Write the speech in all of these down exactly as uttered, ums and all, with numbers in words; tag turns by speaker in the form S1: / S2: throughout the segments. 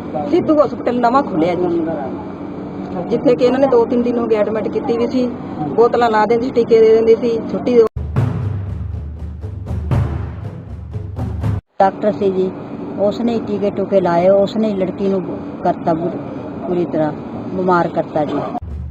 S1: ਸਿੱਧੂ ਹਸਪਤਾਲ ਨਵਾਂ ਖੁੱਲਿਆ ਜੀ, ਜਿੱਥੇ ਕਿ ਇਹਨਾਂ ਨੇ ਦੋ ਤਿੰਨ ਦਿਨ ਹੋ ਗਏ ਐਡਮਿਟ ਕੀਤੀ ਵੀ ਸੀ। ਬੋਤਲਾਂ ਲਾ ਦਿੰਦੀ ਸੀ, ਟੀਕੇ ਦੇ ਦਿੰਦੇ ਸੀ, ਛੁੱਟੀ।
S2: डॉक्टर से जी उसने ही टीके टूके लाए, उसने ही लड़की नूं करता पूरी तरह बीमार करता जी।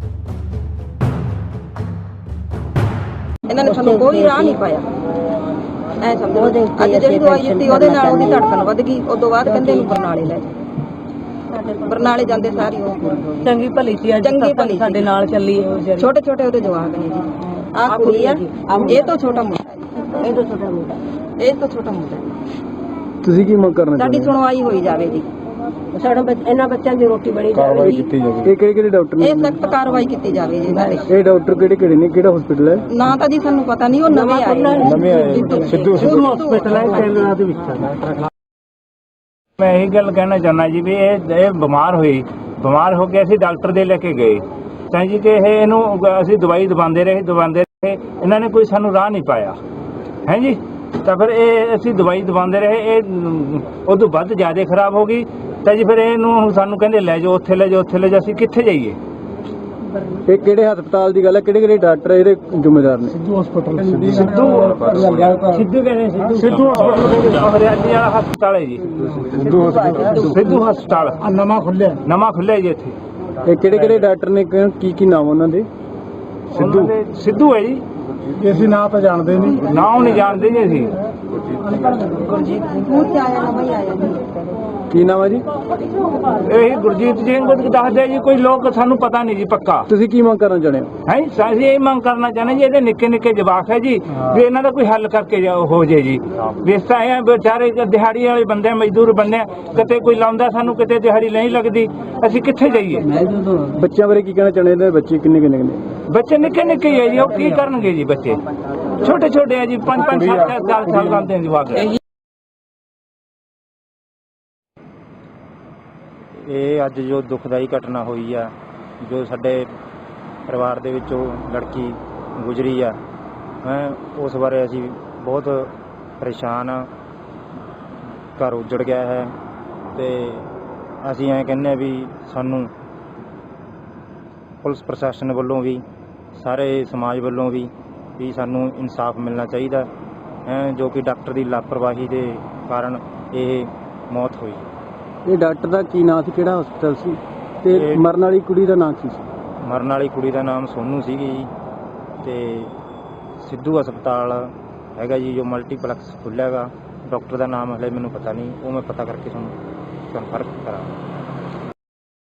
S1: ਇਹਨਾਂ ਨੇ ਸਾਨੂੰ ਕੋਈ ਰਾਹ ਨਹੀਂ ਪਾਇਆ। ਐ ਸਮਝੋ ਅੱਜ ਜਿਹੜੀ ਦਵਾਈ ਦਿੱਤੀ ਉਹਦੇ ਨਾਲ ਉਹਦੀ ਧੜਕਣ ਵੱਧ ਗਈ। ਉਸ ਤੋਂ ਬਾਅਦ ਕਹਿੰਦੇ ਨੂੰ ਬਰਨਾਲੇ ਲੈ ਜਾ। ਬਰਨਾਲੇ ਜਾਂਦੇ ਸਾਰੀ ਉਹ
S2: ਚੰਗੀ ਭਲੀ ਸੀ, ਅੱਜ
S1: ਚੰਗੀ ਭਲੀ
S2: ਸਾਡੇ ਨਾਲ ਚੱਲੀ।
S1: ਛੋਟੇ ਛੋਟੇ ਉਹਦੇ ਜਵਾਕ ਨੇ ਜੀ। ਆਹ ਕੁੜੀ ਆ, ਇਹ ਤੋਂ ਛੋਟਾ ਮੁੰਡਾ ਜੀ,
S2: ਇਹ ਤੋਂ ਛੋਟਾ ਮੁੰਡਾ,
S1: ਇਹ ਤੋਂ ਛੋਟਾ ਮੁੰਡਾ।
S3: ਤੁਸੀਂ ਕੀ ਮੰਗ ਕਰਨਾ
S1: ਸਾਡੀ ਸੁਣਵਾਈ ਹੋਈ ਜਾਵੇ ਜੀ।
S2: ਸਾਡਾ ਇਹਨਾਂ ਬੱਚਿਆਂ ਦੀ ਰੋਟੀ ਬਣੀ ਜਾਵੇ ਜੀ।
S3: ਇਹ ਕਿਹੜੇ ਕਿਹੜੇ ਡਾਕਟਰ ਨੇ?
S1: ਇਹ ਸਖਤ ਕਾਰਵਾਈ ਕੀਤੀ ਜਾਵੇ ਜੀ ਇਹਨਾਂ ਤੇ।
S3: ਇਹ ਡਾਕਟਰ ਕਿਹੜੇ ਕਿਹੜੇ ਨੇ, ਕਿਹੜਾ ਹਸਪੀਟਲ ਹੈ?
S1: ਨਾ ਤਾਂ ਜੀ ਸਾਨੂੰ ਪਤਾ ਨਹੀਂ, ਉਹ ਨਵੇਂ ਆਏ
S3: ਨਵੇਂ ਆਏ ਸਿੱਧੂ
S1: ਹਸਪੀਟਲ ਹੈ
S3: ਕੇਂਦਰਾਂ ਦੇ ਵਿੱਚ।
S4: मैं यही गल कहना चाहना जी भी ये बीमार हुई, बीमार हो के असीं डॉक्टर दे लेके गए ਤਾਂ ਜੀ ਕਿ ਇਹ ਇਹਨੂੰ ਅਸੀਂ ਦਵਾਈ ਦਵਾਉਂਦੇ ਰਹੇ ਦਵਾਉਂਦੇ ਰਹੇ ਇਹਨਾਂ ਨੇ ਕੋਈ ਸਾਨੂੰ ਰਾਹ ਨਹੀਂ ਪਾਇਆ ਹੈ ਜੀ। ਤਾਂ ਫਿਰ ਇਹ ਅਸੀਂ ਦਵਾਈ ਦਵਾਉਂਦੇ ਰਹੇ, ਇਹ ਉਦੋਂ ਵੱਧ ਜ਼ਿਆਦਾ ਖਰਾਬ ਹੋ ਗਈ। ਤਾਂ ਜੀ ਫਿਰ ਇਹਨੂੰ ਸਾਨੂੰ ਕਹਿੰਦੇ ਲੈ ਜਾਓ, ਉੱਥੇ ਲੈ ਜਾਓ, ਉੱਥੇ ਲੈ ਜਾਓ। ਅਸੀਂ ਕਿੱਥੇ ਜਾਈਏ?
S3: ਇਹ ਕਿਹੜੇ ਹਸਪਤਾਲ ਦੀ ਗੱਲ ਹੈ? ਕਿਹੜੇ ਕਿਹੜੇ ਡਾਕਟਰ ਇਹਦੇ ਜ਼ਿੰਮੇਦਾਰ ਨੇ? ਸਿੱਧੂ ਹਸਪਤਾਲ।
S4: ਸਿੱਧੂ ਸਿੱਧੂ ਕਹਿੰਦੇ ਸਿੱਧੂ ਸਿੱਧੂ ਹਰਿਆਣੀ ਵਾਲਾ ਹਸਪਤਾਲ ਹੈ ਜੀ। ਸਿੱਧੂ ਹਸਪਤਾਲ, ਸਿੱਧੂ ਹਸਪਤਾਲ
S3: ਨਵਾਂ ਖੁੱਲਿਆ
S4: ਨਵਾਂ ਖੁੱਲਿਆ ਜੀ ਇੱਥੇ।
S3: ਇਹ ਕਿਹੜੇ ਕਿਹੜੇ ਡਾਕਟਰ ਨੇ, ਕੀ ਕੀ ਨਾਮ ਉਹਨਾਂ ਦੇ?
S4: ਸਿੱਧੂ ਸਿੱਧੂ ਹੈ ਜੀ।
S3: ਅਸੀਂ ਨਾਂ ਤਾਂ ਜਾਣਦੇ ਨਹੀਂ,
S4: ਨਾ ਉਹ ਨਹੀਂ ਜਾਣਦੇ ਜੀ ਅਸੀਂ।
S3: ਕੀ ਨਾਮ ਹੈ ਜੀ?
S4: ਇਹੀ ਗੁਰਜੀਤ ਜੀ ਨੂੰ ਦੱਸਦੇ ਜੀ। ਕੋਈ ਲੋਕ ਸਾਨੂੰ ਪਤਾ ਨਹੀਂ ਜੀ ਪੱਕਾ।
S3: ਤੁਸੀਂ ਕੀ ਮੰਗ ਕਰਨਾ ਚਾਹੁੰਦੇ ਹੋ?
S4: ਹੈ ਅਸੀਂ ਇਹ ਮੰਗ ਕਰਨਾ ਚਾਹੁੰਦੇ ਜੀ, ਇਹਦੇ ਨਿੱਕੇ ਨਿੱਕੇ ਜਵਾਕ ਹੈ ਜੀ, ਵੀ ਇਹਨਾਂ ਦਾ ਕੋਈ ਹੱਲ ਕਰਕੇ ਹੋ ਜੇ ਜੀ। ਵੇਸਤਾ ਇਹ ਵਿਚਾਰੇ ਦਿਹਾੜੀ ਵਾਲੇ ਬੰਦੇ, ਮਜ਼ਦੂਰ ਬੰਦੇ, ਕਿਤੇ ਕੋਈ ਲਾਉਂਦਾ ਸਾਨੂੰ, ਕਿਤੇ ਦਿਹਾੜੀ ਨਹੀਂ ਲੱਗਦੀ। ਅਸੀਂ ਕਿੱਥੇ ਜਾਈਏ?
S3: ਬੱਚਿਆਂ ਬਾਰੇ ਕੀ ਕਹਿਣਾ ਚਾਹੁੰਦੇ ਨੇ? ਬੱਚੇ ਕਿੰਨੇ ਕਿੰਨੇ ਕਿੰਨੇ?
S4: ਬੱਚੇ ਨਿੱਕੇ ਨਿੱਕੇ ਹੈ ਜੀ, ਉਹ ਕੀ ਕਰਨਗੇ ਜੀ? ਬੱਚੇ ਛੋਟੇ ਛੋਟੇ ਹੈ ਜੀ, ਪੰਜ ਪੰਜ ਸੱਤ ਸੱਤ ਸਾਲ ਦਾ ਦੇ ਜਵਾਕ।
S5: ਇਹ ਅੱਜ ਜੋ ਦੁਖਦਾਈ ਘਟਨਾ ਹੋਈ ਆ, ਜੋ ਸਾਡੇ ਪਰਿਵਾਰ ਦੇ ਵਿੱਚੋਂ ਲੜਕੀ ਗੁਜ਼ਰੀ ਆ, ਹੈ ਉਸ ਬਾਰੇ ਅਸੀਂ ਬਹੁਤ ਪਰੇਸ਼ਾਨ ਆ। ਘਰ ਉੱਜੜ ਗਿਆ ਹੈ ਤੇ ਅਸੀਂ ਐਂ ਕਹਿੰਦੇ ਵੀ ਸਾਨੂੰ ਪੁਲਿਸ ਪ੍ਰਸ਼ਾਸਨ ਵੱਲੋਂ ਵੀ, ਸਾਰੇ ਸਮਾਜ ਵੱਲੋਂ ਵੀ ਵੀ ਸਾਨੂੰ ਇਨਸਾਫ ਮਿਲਣਾ ਚਾਹੀਦਾ ਹੈ, ਜੋ ਕਿ ਡਾਕਟਰ ਦੀ ਲਾਪਰਵਾਹੀ ਦੇ ਕਾਰਨ ਇਹ ਮੌਤ ਹੋਈ।
S3: ਇਹ ਡਾਕਟਰ ਦਾ ਕੀ ਨਾਂ ਸੀ, ਕਿਹੜਾ ਹਸਪਤਾਲ ਸੀ, ਤੇ ਮਰਨ ਵਾਲੀ ਕੁੜੀ ਦਾ ਨਾਂ ਕੀ ਸੀ?
S5: ਮਰਨ ਵਾਲੀ ਕੁੜੀ ਦਾ ਨਾਮ ਸੋਨੂ ਸੀਗੀ ਜੀ, ਤੇ ਸਿੱਧੂ ਹਸਪਤਾਲ ਹੈਗਾ ਜੀ ਜੋ ਮਲਟੀਪਲੈਕਸ ਖੁੱਲ੍ਹਿਆ ਹੈਗਾ। ਡਾਕਟਰ ਦਾ ਨਾਮ ਹਲੇ ਮੈਨੂੰ ਪਤਾ ਨਹੀਂ, ਉਹ ਮੈਂ ਪਤਾ ਕਰਕੇ ਤੁਹਾਨੂੰ ਕਨਫਰਮ ਕਰਾਂ।